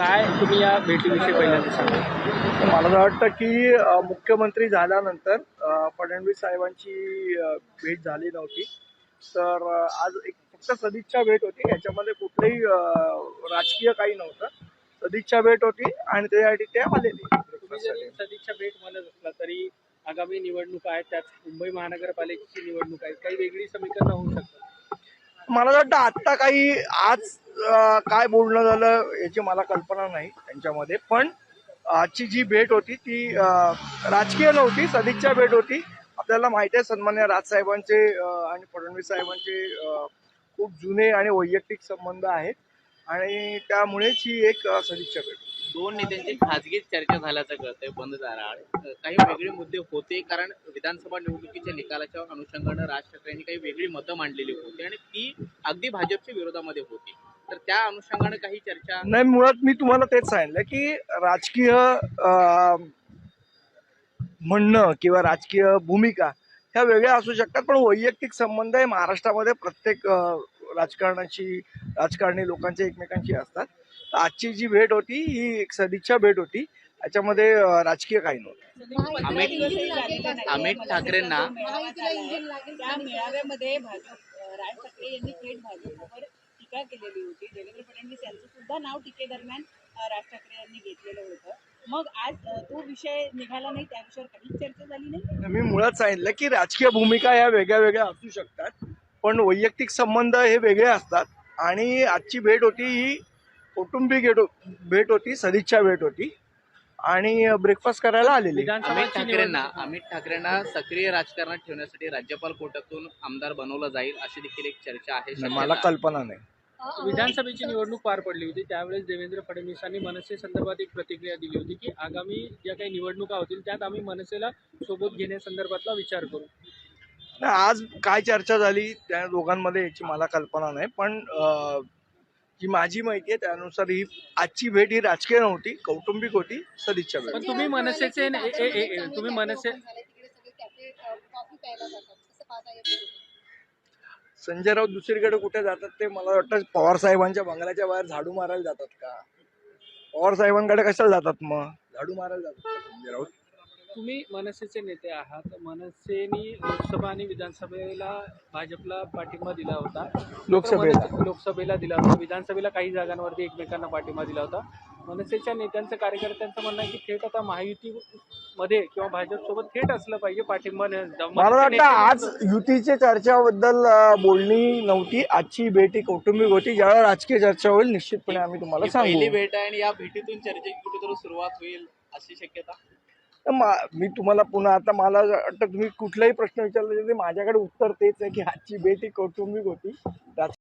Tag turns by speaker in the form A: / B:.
A: काय तुम्ही या भेटीविषयी पहिल्यांदा सांगा?
B: मला असं वाटतं की मुख्यमंत्री झाल्यानंतर फडणवीस साहेबांची भेट झाली नव्हती. तर आज एक फक्त सदिच्छा भेट होती. याच्यामध्ये कुठलंही राजकीय काही नव्हतं. सदिच्छा भेट होती आणि त्यासाठी ते आलेले.
A: तुम्ही जरी सदिच्छा भेट म्हणत असला तरी आगामी निवडणूक आहेत, त्यात मुंबई महानगरपालिकेची निवडणूक आहे, काही वेगळी समीकरणं होऊ शकतात.
B: मला असं वाटतं आत्ता काही आज काय बोलणं झालं याची मला कल्पना नाही त्यांच्यामध्ये. पण आजची जी भेट होती ती राजकीय नव्हती, सदिच्छा भेट होती. आपल्याला माहिती आहे सन्मान्य राजसाहेबांचे आणि फडणवीस साहेबांचे खूप जुने आणि वैयक्तिक संबंध आहेत आणि त्यामुळेच ही एक सदिच्छा भेट.
C: दोन नेत्यांची खासगी चर्चा झाल्याचं कळतंय बंद दाराआड. काही वेगळे मुद्दे होते, कारण विधानसभा निवडणुकीच्या निकालाच्या अनुषंगानं राज ठाकरेंनी काही वेगळी मतं मांडलेली होती आणि ती अगदी भाजपच्या विरोधामध्ये होती. तर त्या अनुषंगानं काही चर्चा
B: नाही, मुळात मी तुम्हाला तेच सांगितलं की राजकीय म्हणणं किंवा राजकीय भूमिका ह्या वेगळ्या असू शकतात, पण वैयक्तिक संबंध हे महाराष्ट्रामध्ये प्रत्येक राजकारणी लोकांचे एकमेकांशी असतात. तर आजची जी भेट होती ही एक सदिच्छा भेट होती. याच्यामध्ये राजकीय काही नव्हतं.
C: अमित ठाकरेंना
D: त्या मेळाव्यामध्ये राज ठाकरे यांनी थेट भाजपवर टीका केलेली होती. देवेंद्र फडणवीस यांचं सुद्धा नाव टीकेदरम्यान राज ठाकरे यांनी घेतलेलं होतं. मग आज तो विषय निघाला नाही, त्या विषयावर काहीच चर्चा झाली नाही.
B: मी मुळात सांगितलं की राजकीय भूमिका या वेगळ्या वेगळ्या असू शकतात, पण वैयक्तिक संबंध हे वेगळे असतात. आणि आजची भेट होती ही कौटुंबिक भेट होती, सदिच्छा भेट होती आणि ब्रेकफास्ट करायला आलेली.
C: अमित ठाकरेंना सक्रिय राजकारणात ठेवण्यासाठी राज्यपाल कोट्यातून आमदार बनवलं जाईल अशी देखील एक चर्चा आहे.
B: मला कल्पना नाही.
A: विधानसभेची निवडणूक पार पडली होती, त्यावेळेस देवेंद्र फडणवीसांनी मनसे संदर्भात एक प्रतिक्रिया दिली होती की आगामी ज्या काही निवडणुका होतील त्यात आम्ही मनसेला सोबत घेण्यासंदर्भातला विचार करू.
B: आज काय चर्चा झाली त्या दोघांमध्ये याची मला कल्पना नाही, पण जी माझी माहिती आहे त्यानुसार ही आजची भेट ही राजकीय नव्हती, कौटुंबिक होती, सदिच्छा भेट.
A: पण तुम्ही मनसे
B: संजय राऊत दुसरीकडे कुठे जातात ते मला वाटतं पवार साहेबांच्या बंगल्याच्या बाहेर झाडू मारायला जातात का? पवार साहेबांकडे कशाला जातात, मग झाडू मारायला जातात का संजय राऊत?
A: तुम्ही मनसेचे नेते आहात. मनसेने लोकसभा आणि विधानसभेला भाजपला पाठिंबा दिला होता. लोकसभेला दिला होता, विधानसभेला काही जागांवरती एकमेकांना पाठिंबा दिला होता. मनसेच्या नेत्यांचं, कार्यकर्त्यांचं म्हणणं आहे की थेट आता महायुतीमध्ये किंवा भाजपसोबत थेट असलं पाहिजे पाठिंबा.
B: मला वाटतं आज युतीच्या चर्चाबद्दल बोलणी नव्हती. आजची भेट ही कौटुंबिक होती. ज्यावेळेला राजकीय चर्चा होईल निश्चितपणे आम्ही तुम्हाला सांगू.
C: पहिली भेट आहे आणि या भेटीतून चर्चेची कुठेतरी सुरुवात होईल अशी शक्यता.
B: मी तुम्हाला पुन्हा आता मला वाटतं तुम्ही कुठलाही प्रश्न विचारला तरी माझ्याकडे उत्तर तेच आहे की आजची भेट ही कौटुंबिक होती.